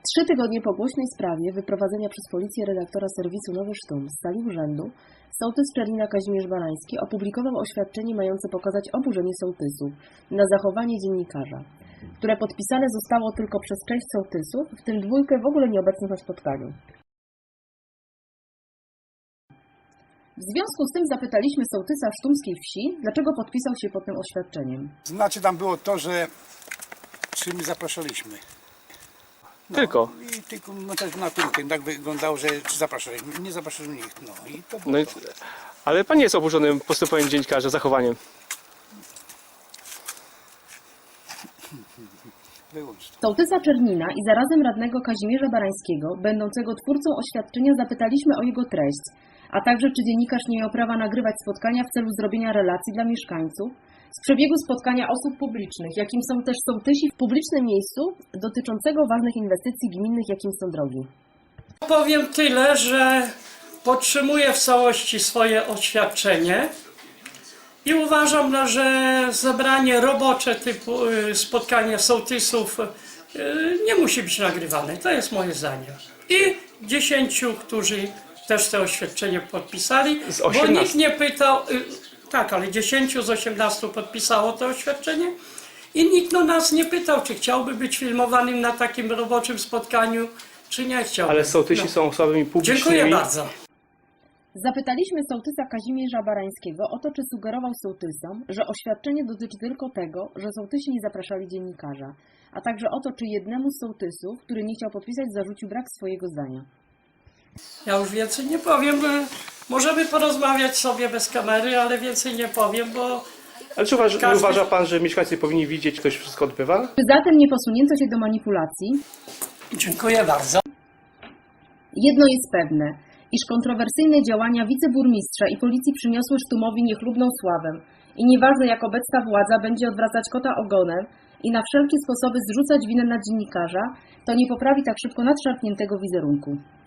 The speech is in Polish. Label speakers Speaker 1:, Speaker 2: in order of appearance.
Speaker 1: 3 tygodnie po głośnej sprawie wyprowadzenia przez policję redaktora serwisu Nowy Sztum z sali urzędu, sołtys Czerlina Kazimierz Barański opublikował oświadczenie mające pokazać oburzenie sołtysów na zachowanie dziennikarza, które podpisane zostało tylko przez część sołtysów, w tym 2 w ogóle nieobecnych na spotkaniu. W związku z tym zapytaliśmy sołtysa sztumskiej wsi, dlaczego podpisał się pod tym oświadczeniem.
Speaker 2: Znaczy tam było to, że czy my zapraszaliśmy. No,
Speaker 3: Tylko.
Speaker 2: I tylko no, tak naturkę, tak wyglądało, że czy zapraszaliśmy. Nie zapraszaliśmy nikt. No i to było
Speaker 3: No i,
Speaker 2: to.
Speaker 3: ale pan nie jest oburzony postępowaniem dziennikarza, zachowaniem.
Speaker 2: Wyłącznie.
Speaker 1: Sołtysa Czernina i zarazem radnego Kazimierza Barańskiego, będącego twórcą oświadczenia, zapytaliśmy o jego treść, a także czy dziennikarz nie miał prawa nagrywać spotkania w celu zrobienia relacji dla mieszkańców z przebiegu spotkania osób publicznych, jakim są też sołtysi w publicznym miejscu, dotyczącego ważnych inwestycji gminnych, jakim są drogi.
Speaker 4: Powiem tyle, że podtrzymuję w całości swoje oświadczenie i uważam, że zebranie robocze typu spotkanie sołtysów nie musi być nagrywane. To jest moje zdanie. I 10, którzy też to oświadczenie podpisali,
Speaker 3: Z
Speaker 4: bo
Speaker 3: 18.
Speaker 4: nikt nie pytał, tak, ale 10 z 18 podpisało to oświadczenie i nikt nas nie pytał, czy chciałby być filmowanym na takim roboczym spotkaniu, czy nie chciałby.
Speaker 3: Ale sołtysi są osobami publicznymi.
Speaker 4: Dziękuję bardzo.
Speaker 1: Zapytaliśmy sołtysa Kazimierza Barańskiego o to, czy sugerował sołtysom, że oświadczenie dotyczy tylko tego, że sołtysi nie zapraszali dziennikarza, a także o to, czy jednemu z sołtysów, który nie chciał podpisać, zarzucił brak swojego zdania.
Speaker 4: Ja już więcej nie powiem. Możemy porozmawiać sobie bez kamery, ale więcej nie powiem, bo
Speaker 3: Ale czy uważa pan, że mieszkańcy powinni widzieć, jak to się wszystko odbywa?
Speaker 1: Czy zatem nie posunięto się do manipulacji?
Speaker 4: dziękuję bardzo.
Speaker 1: Jedno jest pewne, iż kontrowersyjne działania wiceburmistrza i policji przyniosły Sztumowi niechlubną sławę i nieważne jak obecna władza będzie odwracać kota ogonem i na wszelkie sposoby zrzucać winę na dziennikarza, to nie poprawi tak szybko nadszarpniętego wizerunku.